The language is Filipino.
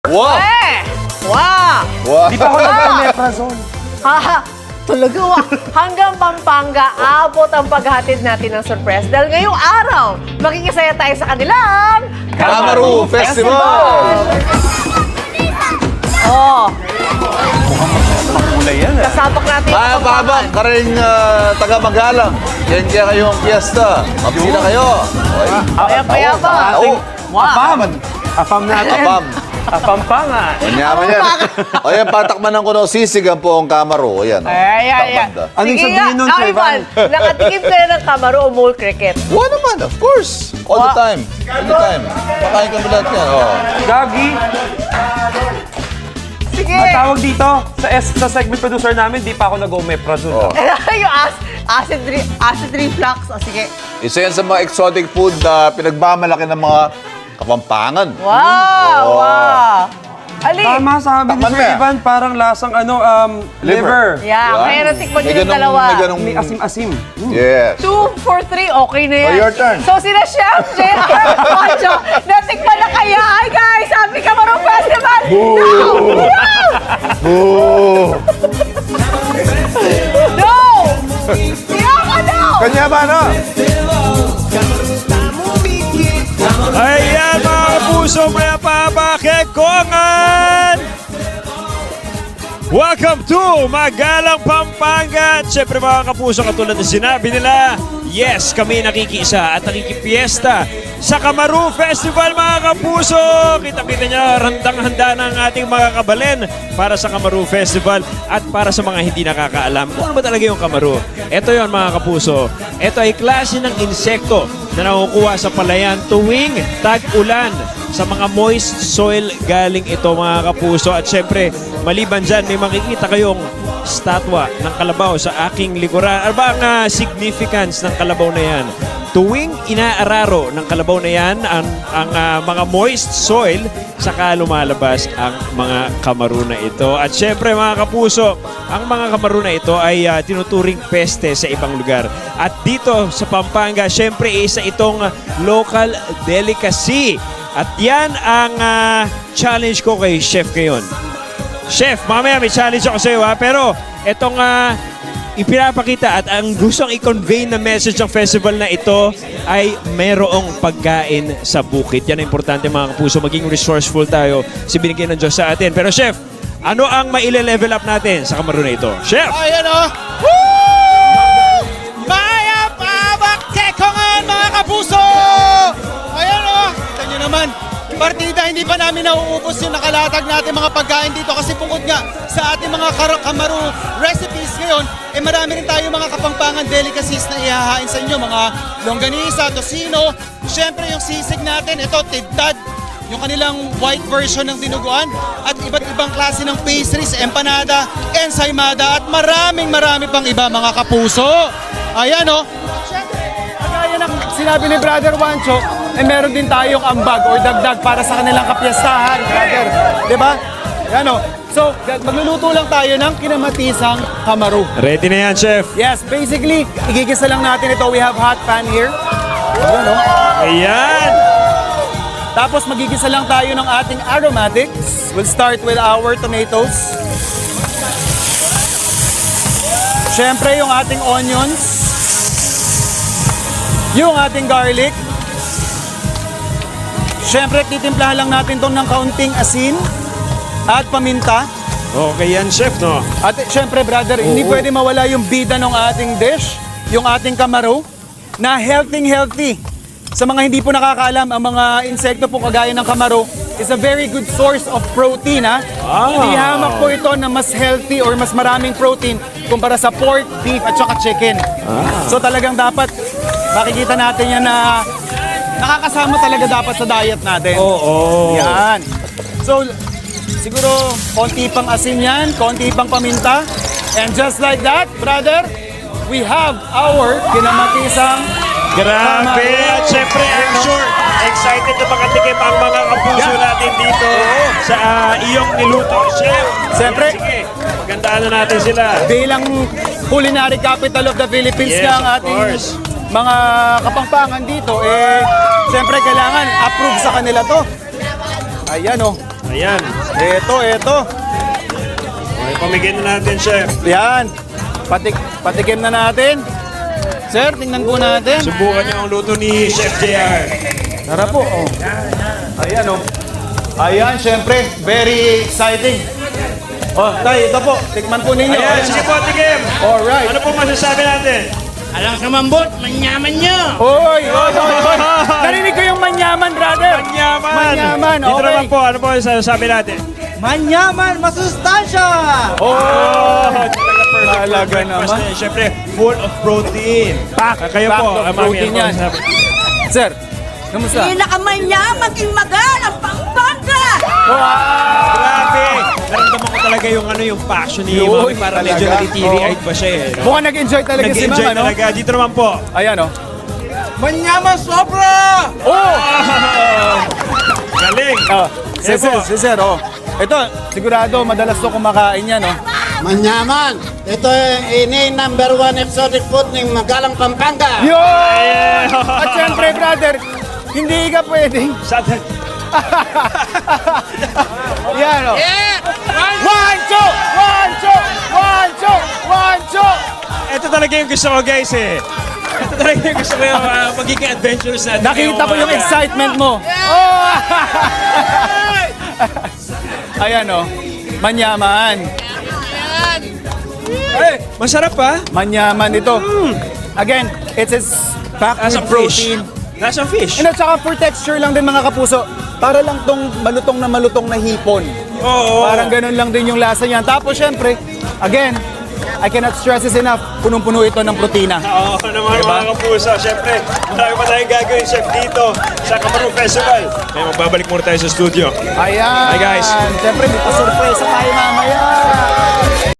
Wow! Wow! Wow! Di pa ako nag-omeprazole. Haha, talaga wa. Hanggang Pampanga, abot ang paghatid natin ng surprise. Dahil ngayong araw, makikisaya tayo sa kanilang Kamaru Festival! Oh, Kulay yan ah. kasabak natin yung Pabak, karing taga-Magalang. Yan kaya kayong piyesta. Mabsina kayo. Okay. Payapa. Oo. Apam. Apam natin. Apam. Apampangan. Manyaman yan. O yan, patakmanan ko ng sisigan po ang Kamaru. Ayan. Ayan. Takbanda. Anong sabihin nun, Sir Ivan, nakatikim ka na ng Kamaru o mole cricket? Oo naman, of course. All the time. Anytime. Pakain ka mo lahat yan. Oh. Gagi, Sige. ang tawag dito, sa segment producer namin, di pa ako nag-omeprazole. Oh. Yung acid reflux. O sige. Isa yan sa mga exotic food na pinagmamalaki ng mga Kapampangan. Wow! Wow! Ali! Tama sabi ni Takpan Sir mo yan. Ivan, parang lasang liver. Yeah, kaya natikman nyo yung dalawa. May ganong... May asim-asim. Yes. 2 for 3, okay na yan. Oh, your turn. So sila Chef JR Pancho, natikman na kaya. Hi guys, Happy Kamaru Festival! Boo! No! Siyaka no! Kanya ba, no? Ayan mga kapuso, maya pa Kekongan! Welcome to Magalang, Pampanga! At syempre mga kapuso, katulad na sinabi nila, yes, kami nakikisa at nakikipiesta sa Kamaru Festival mga kapuso! Kita-kita niyo, handang-handa ng ating mga kabalen para sa Kamaru Festival at para sa mga hindi nakakaalam kung ano ba talaga yung Kamaru. Ito yon mga kapuso. Ito ay klase ng insekto na nakukuha sa palayan tuwing tag-ulan. Sa mga moist soil galing ito mga kapuso. At syempre, maliban dyan, may makikita kayong statwa ng kalabaw sa aking likuran. Ano ba ang significance ng kalabaw na yan? Tuwing inaararo ng kalabaw na yan, ang mga moist soil, saka lumalabas ang mga Kamaru na ito. At syempre mga kapuso, ang mga Kamaru na ito ay tinuturing peste sa ibang lugar. At dito sa Pampanga, syempre isa itong local delicacy. At yan ang challenge ko kay Chef ngayon. Chef, mamaya may challenge ako sa iyo ha, pero itong ipinapakita at ang gustong i-convey na message ng festival na ito ay merong pagkain sa bukid. Yan ang importante mga kapuso, maging resourceful tayo sa binigyan ng Diyos sa atin. Pero Chef, ano ang maile-level up natin sa Kamaru na ito? Chef! Ayan o! Woo! Maya Pabak Kekongan mga kapuso! Ayan o! Kita nyo naman, partida hindi pa namin nauubos yung nakalatag natin mga pagkain dito kasi bukod nga sa ating mga Kamaru recipes ngayon, eh marami rin tayo mga Kapampangan delicacies na ihahain sa inyo, mga longganisa, tocino, syempre yung sisig natin, ito tidtad, yung kanilang white version ng dinuguan at iba't ibang klase ng pastries, empanada, ensaymada at marami pang iba mga kapuso. Ayan o. Kagaya ng sinabi ni Brother Wancho, eh meron din tayong ambag or dagdag para sa kanilang kapiyastahan, brother. Diba? Yan o. So, magluluto lang tayo ng kinamatisang Kamaru. Ready na yan, Chef? Yes, basically, igigisa lang natin ito. We have hot pan here. Ayan o. Ayan! Tapos magigisa lang tayo ng ating aromatics. We'll start with our tomatoes. Siyempre yung ating onions. Yung ating garlic. Siyempre titimplahan lang natin itong ng kaunting asin at paminta. Okay yan, Chef, no? At siyempre brother, hindi pwede mawala yung bida ng ating dish, yung ating Kamaru, na healthy. Sa mga hindi po nakakaalam, ang mga insekto po kagaya ng Kamaru is a very good source of protein, ha? Ihamak po ito na mas healthy or mas maraming protein kumpara sa pork, beef at saka chicken. So talagang dapat makikita natin yan na nakakasama talaga dapat sa diet natin. Oo. Yan. So siguro konti pang asin yan, konti pang paminta. And just like that, brother, we have our kinamatisang Grabe! At syempre, I'm sure, excited na makatikim ang mga kapuso natin dito sa iyong niluto, Chef. Siyempre. Sige, magandaan na natin sila. bilang culinary capital of the Philippines Yes, nga ang of ating course. mga Kapampangan dito, eh, siyempre kailangan approve sa kanila to. Ayan oh. Ayan. Ito. Okay, pamigyan na natin, chef. Yan. Patikim na natin. Sir, tingnan po natin. Subukan niyo ang luto ni Chef JR. Tara po. Oh. Ayan oh. Ayan, syempre, very exciting. Oh, tay, ito po. Tikman po ninyo. Ayan, sige po, tikim. Alright. Ano po masasabi natin? Alang sa mambot, manyaman nyo! Oy! Narinig ko yung manyaman, brother. Manyaman. Manyaman, Dito okay. naman po, ano po masasabi natin? Manyaman, masustansya! Oh! Talaga naman. Siyempre, full of protein. Kayo Packed po, of mami, protein ano po yan. masasabi? Sir, kamusta? Pinakamanyaman king magalang Pampanga! Grabe! Naramdaman ko talaga yung yung passion ni Yun, Mami para medyo talaga. nagtitiri-eyed pa siya eh. Mukhang nag-enjoy talaga si Nag-enjoy Mama, no? talaga. Dito naman po. Ayan, oh. Manyaman sobra! Oh! Galing! Si Sir, oh. Ito, sigurado, madalas to kumakain yan, oh. Manyaman! Ito ini number 1 exotic food ng Magalang Pampanga. Yun! At syempre, brother, hindi ka pwedeng. Yan, oh. One, two! Ito talaga yung gusto ko, guys eh. Ito talaga yung gusto ko yung magiging adventurous natin. Nakita ko yung excitement mo. Oh! Ayan, oh. Manyaman. Eh, masarap pa. Manyaman ito. Again, it's packed with Lasang protein. fish. Lasang fish. And at saka for texture lang din mga kapuso. Para lang tong malutong na hipon. Oo. Parang ganun lang din yung lasa niyan. Tapos syempre, again, I cannot stress this enough, punong-puno ito ng protina. Oo naman mga kapuso. Siyempre, marami pa tayong gagawin, chef, dito sa Kamaru Festival. Kaya magbabalik muna tayo sa studio. Ayan. Hi, guys. Siyempre, may pa-surprise